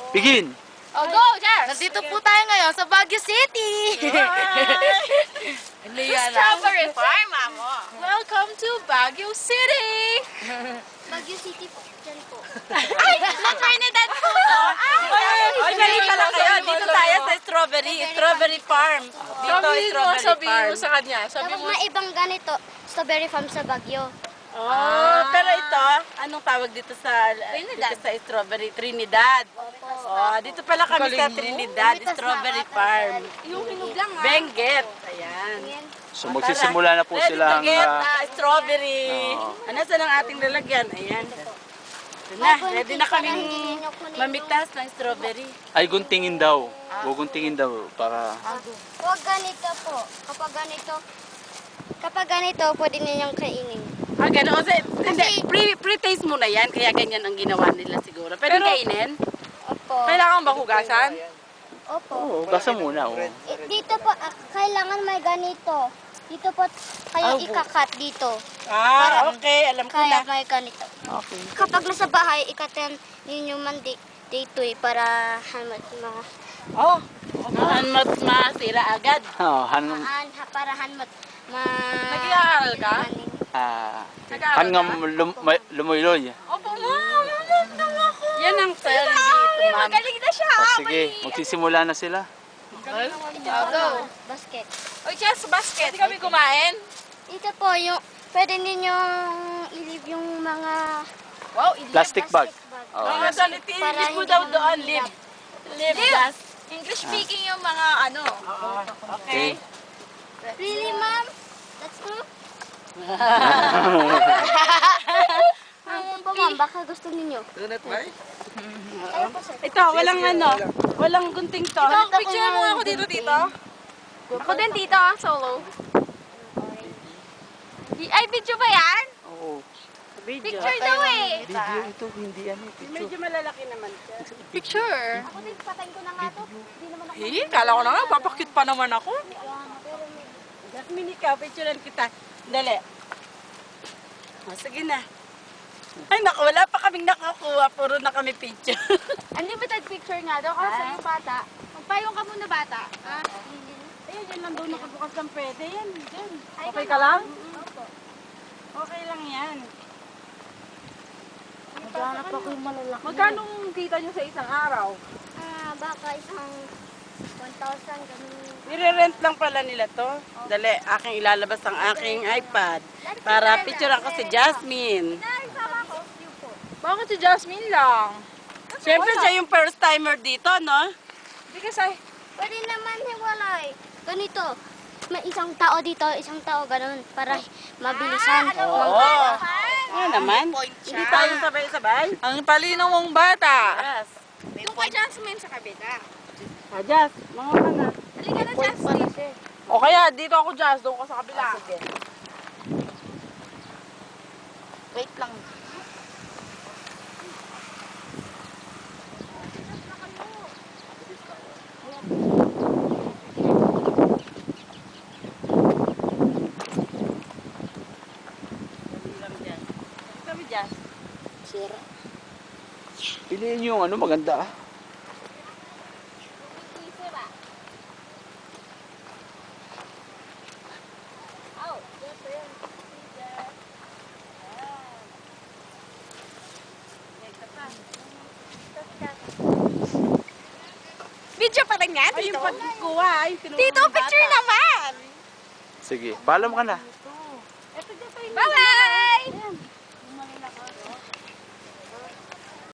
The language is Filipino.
Begin! Oh, go, Jess! Nandito po tayo ngayon sa Baguio City. Strawberry Farm, amo. Welcome to Baguio City! Baguio City po. Diyan po. Ay, sa Trinidad po to. Ay, mali pala kayo. Dito tayo sa Strawberry Farm. Dito, Strawberry Farm. sa kanya. Sabi Tapos mo, may ibang ganito. Strawberry farm sa Baguio. Oh, pero ito, anong tawag dito sa Strawberry? Trinidad. Oh, dito pala kami sa Trinidad, Strawberry Farm. yung hinog lang ha. Benguet. Ayan. Ayan. So magsisimula na po Ready silang... to get strawberry. Oo. Ano saan ang ating lalagyan? Ayan. Ito na, ready na kaming mamitas ng strawberry. ay guntingin daw. Guguntingin daw para... Huwag ganito po. Kapag ganito, pwede ninyong kainin. Ah, gano'n. Hindi, pre-taste muna yan, kaya ganyan ang ginawa nila siguro. Pwede kainin? Opo. Kailangan ba hugasan? Opo. Oo, gasa muna. Oh. Dito po, kailangan may ganito. Dito po, kaya ikakat dito. Ah, okay. Alam ko Kaya na. may ganito. Okay. Kapag nasa bahay, ikatan ninyo man dito para hamat mga Oh, hanmat masira agad. Oh, para hanmat Nag-aaral ka? hangam lumoy-loy. Opo, ma'am. Yan ang sayang dito, ma'am. Magaling na siya. Oh, sige, magsisimula na sila. ito go. Basket. Oy, Jess, basket. Pwede kami kumain? Ito po yung pwede ninyong i-leave yung mga Wow, Plastic bag. Oh. Mga sanitilis mo daw doon, live. Live, gas. English speaking yung mga ano. Okay. Really, ma'am? That's true? Ayun po, ma'am. Baka gusto ninyo. Ayun po, sir. Ito, walang gunting to. Picture mo ako dito, tito. Ako din, tito. Solo. Ay, video ba yan? Oo. Picture daw eh. Video ito, hindi ano. Medyo malalaki naman siya. Picture. Ako din, patayin ko na nga to. Hindi naman ako. Kala ko na nga, papakit pa naman ako. Jasmine, ikaw, picturean kita. Dali. O, sige na. Ay, naku, wala pa kaming nakakuha. Puro na kami picture. Unlimited picture nga daw kasi yung bata. Magpayong ka muna bata. Ayun, yan lang doon nakabukas ng pwede. Yan, dyan. Okay ka lang? Okay lang yan. Magkano kita nyo sa isang araw? Baka isang 1,000 ganun. Nire-rent lang pala nila to. Dali, aking ilalabas ang aking iPad. Para picturean ko si Jasmine. Bakit si Jasmine lang? Siyempre, siya yung first timer dito, no? Hindi kasi. Pwede naman hiwalay. Ganito. May isang tao dito, isang tao ganun para mabilisan. Oo naman. Hindi tayo sabay-sabay. Ang talino mong bata. Yes. Yung kay Jasmine sa kabila. Ah, Jas, mga ka na. Halika na, Jasmine. O kaya, dito ako, Jas. Doon ka sa kabila. Sige. Wait lang. Kami, Jas. Piliin yung ano, maganda ah. Video pa rin yan, Ay, Tito. yung pagkukuha. Ay, Tito, picture naman. Sige, paalam ka na. Ito, Jas.